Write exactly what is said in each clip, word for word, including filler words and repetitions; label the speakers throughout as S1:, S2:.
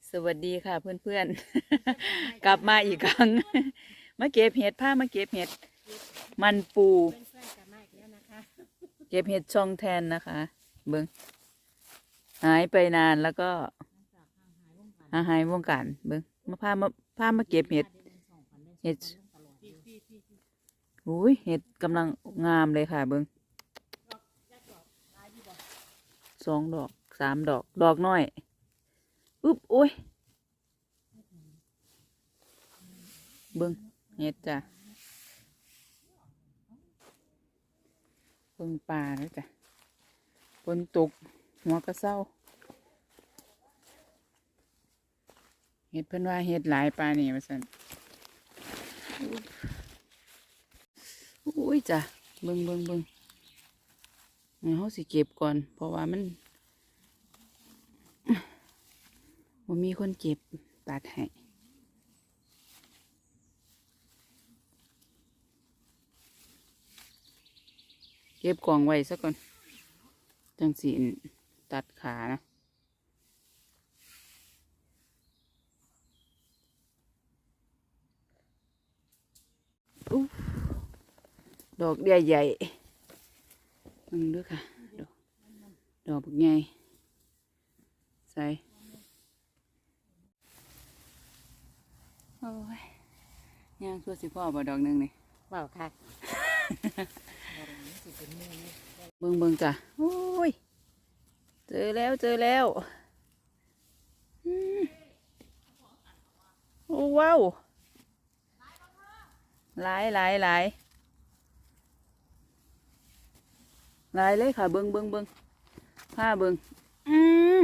S1: สวัสดีค่ะเพื่อนๆ กลับมาอีกครั้ง มาเก็บเห็ดผ้ามาเก็บเห็ดมันปูเก็บเห็ดช่องแทนนะคะเบิ้งหายไปนานแล้วก็หายวงการเบิ้งมาพามาพามาเก็บเห็ดเห็ดอุ้ยเห็ดกำลังงามเลยค่ะเบิ้งสองดอกสามดอกดอกน้อยอุ๊บโอ้ยเบิ้งเห็ดจ้ะเบิ้งปลาแล้วจ้ะฝนตกหัวกระเซ้าเห็ดเพิ่นว่าเห็ดหลายปลานี่มาสั่นอุ้ยจ้ะเบิ้งเบิ้งเบิ้งนี่เขาสิเก็บก่อนเพราะว่ามันว่ามีคนเก็บตัดให้เก็บกล่องไว้ซะก่อนจังสีตัดขานะอุ๊ดอกใหญ่ใหญ่มึงด้วยค่ะดอกดอกใหญ่ใส่โอ้ยย่างชั่วสิพ่อบ่ดอกหนึ่งนี่
S2: เปล่าค่ะ
S1: เบิ่งเบิ่งจ้ะโอ้ยเจอแล้วเจอแล้วโอ้ว้าวหลายหลายหลายหลายเลยค่ะเบิ่งเบิ่งเบิ่งผ้าเบิ่งอืม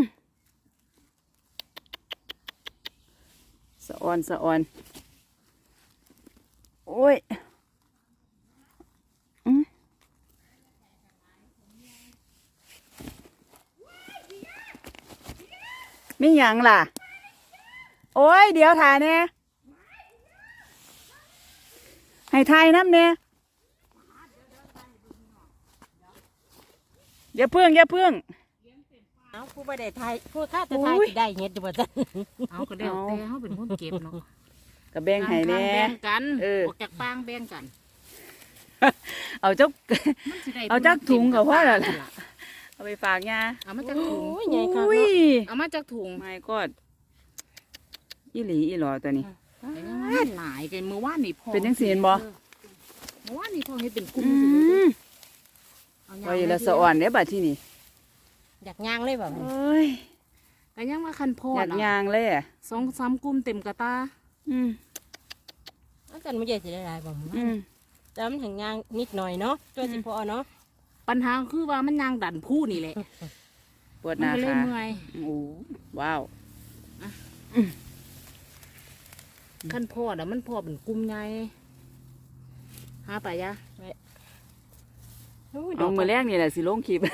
S1: สะออนสะออนโอ้ยมีหยังล่ะโอ้ยเดี๋ยวถ่ายเนี่ยให้ถ่ายน้ำเนี่ยอย่าเพิ่งอย่าเพิ่ง
S2: เอาผู้ประเดี๋ยวไทยผู้ข้าจะไทยได้เห็ดอยู่บ่จ้ะ
S3: เอาก็เดี๋ยวแต่เขาเป็นคนเก็บเนาะ
S1: กับแบ่งให้แน่
S3: แบ่งกัน
S1: เออ
S3: ออกจากปางแบ่งกัน
S1: เอาจักเอาจักถุงกับพ่อแล้วล่ะเอาไปฝากยา
S3: เอามาจากถุง
S2: ใหญ่ค่ะ
S3: เอามาจากถุง
S1: ไม่ก็อีหลีอีหลอตัวนี้
S3: มันหลายกันเมื่อวานนี่พอ
S1: เป็นยังสีนบ่
S3: เมื่อวานนี่พอเห็นเป็นกุ้ง
S1: ไว้ละสะอ่อนเนี่ยบัดที่นี่
S2: อยากย่างเลยแบบ
S1: เอ้ย
S3: ก็ยังว่าคันพอ
S1: อยากยางเลยอ่ะ
S3: สองสามกุ้มเต็มกระตา
S1: อืม
S2: อาจารย์ไม่ใหญ่สิได้หลายบ่
S1: อืม
S2: แต่มันถึงย่างนิดหน่อยเนาะตัวสิพอเนาะ
S3: ปัญหาคือว่ามันยางดันผู้นี่แหละ
S1: ปวดหน้าขา
S3: เมื่อย
S1: โอ้ว้าว
S3: คันพอเดี๋ยวมันพอเป็นกุ้มใหญ่หาไปยะ
S1: เอามือแรกนี่แหละสิลงคลิป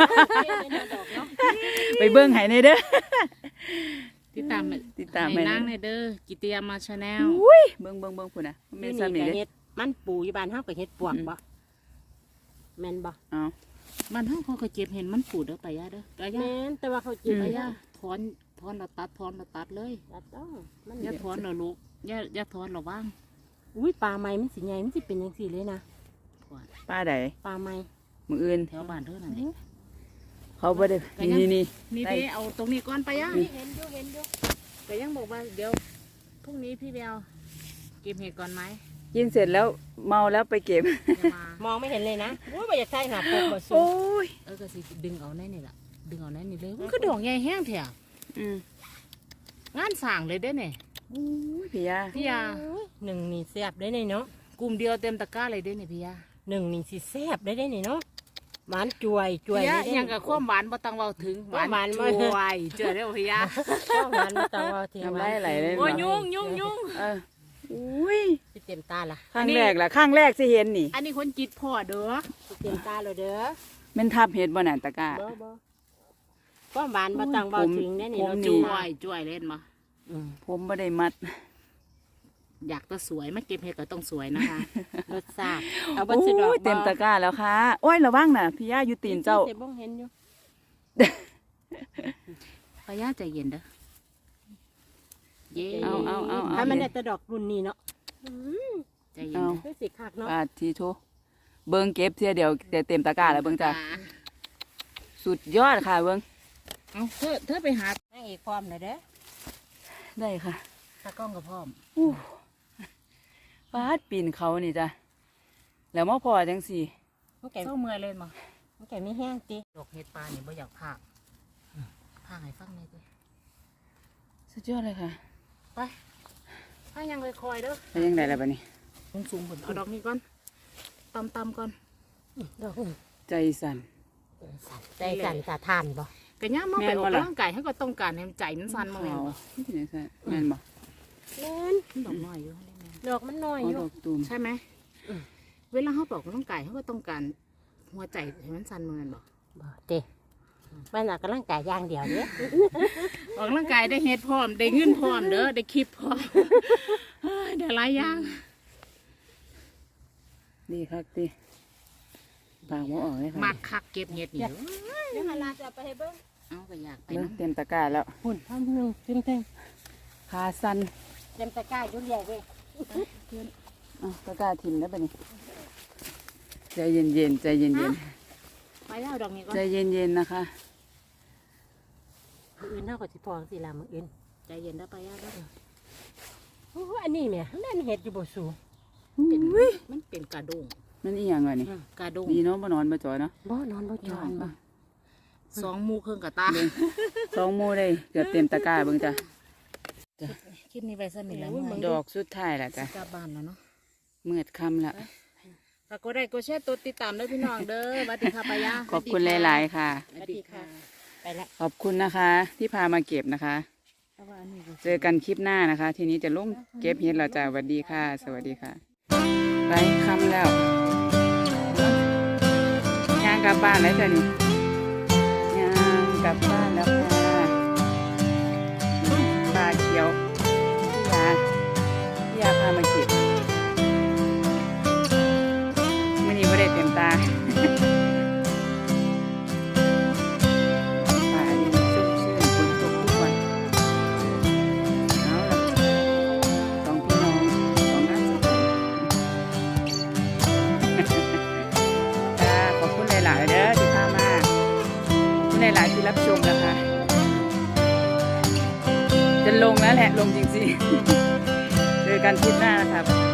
S1: ไปเบิ้งไห้ในเด้อ
S3: ติดตาม
S1: ติดตาม
S3: ให้นางในเด้อกิเตียมาชาแนล
S1: อุ้ยเบิ้งเบิ้งเบิ้งพุ่นน่ะ
S2: แม่ซ้ำนี่เฮ็ดมันปูอยู่บ้านเฮาก็เฮ็ดปวกบ่แม่นบ่
S1: เอา
S3: บ้านเฮาเขาก็เก็บเห็นมันปูเด้อไปยะเด้อไปยะ
S2: แม่นแต่ว่าเขาเก็บ
S3: ไปยะถอนถอนเราตัดถอนเราตัดเลย
S2: ตัดต้อง
S3: มันอย่าถอนเราลูกอย่าอย่าถอนเราว่าง
S2: อุ้ยปลาไม้มันสิใหญ่มันสิเป็นจังซี่เลยนะ
S1: ปลาใด
S2: ปลาไม้
S1: มืออื่น
S3: แถวบ้านเท่านั้นเอง
S1: เขาบ่ได้นี่นี่
S3: นี่เด้เอาตรงนี้ก่อนไปยะ
S2: เห็นอยู่เห็นอยู่
S3: แต่ยังบอกว่าเดี๋ยวพรุ่งนี้พี่เบลเก็บเห็ดก่อนไหม
S1: กินเสร็จแล้วเมาแล้วไปเก็บ
S2: มองไม่เห็นเลยนะโอ้ยไม่อยากใช่หนาปกมาสู
S1: โอ้ย
S3: เออก็สิดึงเอาแน่นี่แหละดึงเอาแน่นี่เลยมันก็ดอกใหญ่แห้งแถวงานสั่งเลยได้เนี่ย
S1: โอ้ยพี่ยา
S3: พี่ยา
S2: หนึ่งนี่แซ่บได้เนี่ยเนาะ
S3: กลุ่มเดียวเต็มตะกร้าเลยได้เนี่ยพี่ยา
S2: หนึ่งนี่สิแซ่บได้ได้เนี่ยเนาะหวานจวยจวย
S3: ยังกับความหวานบ่ต้องเว้าถึงหวานจวยเจอได้พี่ยา
S2: หวานบ่ต้องเว้าถึง
S1: อะไรอะไรเลย
S3: โอ้ยยุ่งยุ่งยุ่ง
S1: เอออุ้ย
S2: เต็มตาล่ะ
S1: ข้างแรกล่ะข้างแรกสิเห็นนี่
S3: อันนี้คนจิตพ่อเด้อ
S2: เต็มตาเลยเด้อ
S1: มันทับเห็ดบ่น่ะตะกร้า
S2: ความหวานบ่ต้องเว้าถึงแน่นี่เรา
S3: จวยจวยเล่นมา
S1: ผมบ่ได้มัด
S3: อยากจะสวยไม่เก็บเห็ดก็ต้องสวยนะคะ
S2: รสชาติเอาบัตรดอก
S1: เต็มตะกร้าแล้วค่ะโอ้ยระวังน่ะพี่ย่าอยู่ตีนเจ้า
S2: เห็นบ้องเห็นอยู่
S3: พี่ย่าใจเย็นเด้อเย้
S1: เอาเอาเอาเอา
S2: ถ้ามันได้แต่ดอกรุ่นนี้เนาะ
S3: ใจเย็น
S1: เอา
S3: นะ
S2: คือสิคักเนาะ
S1: ปาดทีโทเบิ่งเก็บเสียเดี๋ยวจะเต็มตะกร้าแล้วเบิ่งจ้ะสุดยอดค่ะเบิ่ง
S3: เอาเธอเธอไปหาน
S2: างเอกพร้อมเลยเด้อ
S1: ได้ค่ะ
S3: ตากล้องกับพ่อม
S1: อู้ปาดปีนเขานี่จ้ะแล้วมาพอจังสี่
S2: มันแก่
S3: เศร้าเมื่อยเลยมา
S2: มันแก่ไม่แห้งติ
S3: ดอกเห็ดปลานี่บ่อยากพากพากให้ฟังเลยดิ
S1: สุดยอดเลยค่ะ
S3: ไปพากยังเลยคอยเด้อ
S1: ไปยังไงล่ะบัดนี้
S3: สูงสูงๆผลเอาดอกนี้ก่อนตำตำๆก่อน
S2: ดอกอื่น
S1: ใจสั่น
S2: ใจสั่นสะทานบ่
S3: กะย่ามา
S1: แม่
S3: ไป
S1: น
S3: ออ
S1: บ่
S3: ก
S1: ล่ะ
S3: กำลังกายให้ก็ต้องการให้ใจมันสั่นมาแม่นบ่
S1: ที่ไหนใช่แม่นบ่
S2: แม่น
S3: ดอกน้อยอยู่ให้ได้แม่น
S2: ดอกมันน้อย
S1: อ๋อ
S2: อยู่
S1: ดอกตูม
S3: ใช่ไหมเวลาเขาบอกกำลังกายเขาก็ต้องการหัวใจให้มันสั่นมาแม่นบ่
S2: บ่เด้มันออกกำลังกายอย่างเดียวเด้
S3: ออกกำลังกายได้เฮ็ดพร้อมได้เงินพร้อมเด้อได้คลิปพร้อมเฮ้ยได้หลายอย่าง
S1: ดีครับดีปากบ่ออกเลยค่ะ
S3: มักคักเก็บเห็ดนี่
S2: เดี๋ยวหาลาจะไปให้เบิ่ง
S3: เอาก็อยากไป
S1: เริ่ม
S3: นำ
S1: เต็มตะกร้าแล้ว
S2: หุ่นทำหนึงตึ้งตึ้ง
S1: ขาสั่น
S2: เต็มตะกร้าอยู่ใหญ่เว้ย
S1: เอ้าตะกร้าถิ่มแล้วบัดนี้ใจเย็นๆใจเย็น
S3: ไปแล้วดอกนี้
S1: ๆ
S3: ก่อน
S1: ใจเย็นๆนะคะ
S2: มื้ออื่นเฮาก็สิพอสิล่ะมื้ออื่น
S3: ใจเย็นได้อไปแล้วเด้อ
S2: โอ้อันนี้แหม่นั่นเฮ็ดอยู่บ่สู
S3: เป็นมันเป็นกระดง
S1: มันอีหยังวะนี่
S3: กระดง
S1: ดีเนาะบ่นอนบ่จอยเนาะ
S2: บ่นอนบ่จอนบ่
S3: สองหมูเครื่องกระตา
S1: เบิ่งสองโมได้เกือบเต็มตะกร้าเบิ่งจ้ะ
S3: คลิปนี้ไปสั้นนี่แล้วเมื่อย
S1: ดอกสุดท้ายแล้วจ้ะ
S3: กลับบ้านแล้วเนาะ
S1: มืดค่ำแล้ว
S3: ฝากกดไลค์กดแชร์ตัวติดตามด้วยพี่น้องเด้อสวัสดีค่ะปายา
S1: ขอบคุณหลายๆค่ะ
S3: สวัสดีค่ะ
S2: ไปละ
S1: ขอบคุณนะคะ ที่พามาเก็บนะคะ
S3: เพราะว่าอันนี้ก็
S1: เจอกันคลิปหน้านะคะ ทีนี้จะลงเก็บเห็ดเราจ้ะสวัสดีค่ะ สวัสดีค่ะไปค่ำแล้วย่างกลับบ้านแล้วจ้ะนี่ย่างกลับบ้านแล้วค่ะปลาเขียวพี่ยาพี่ยาพามาเก็บมื่อนี้ไม่ได้เต็มตา ป่าดินชุ่มชื่นฝนตกทุกวันเอาล่ะสองพี่น้องสองน้าสุดจ้าขอบคุณหลาย ๆ เด้อที่พามาขอบคุณหลาย ๆ ที่รับชมนะคะ จะลงแล้วแหละ ลงจริง ๆ เจอกันคลิปหน้านะครับ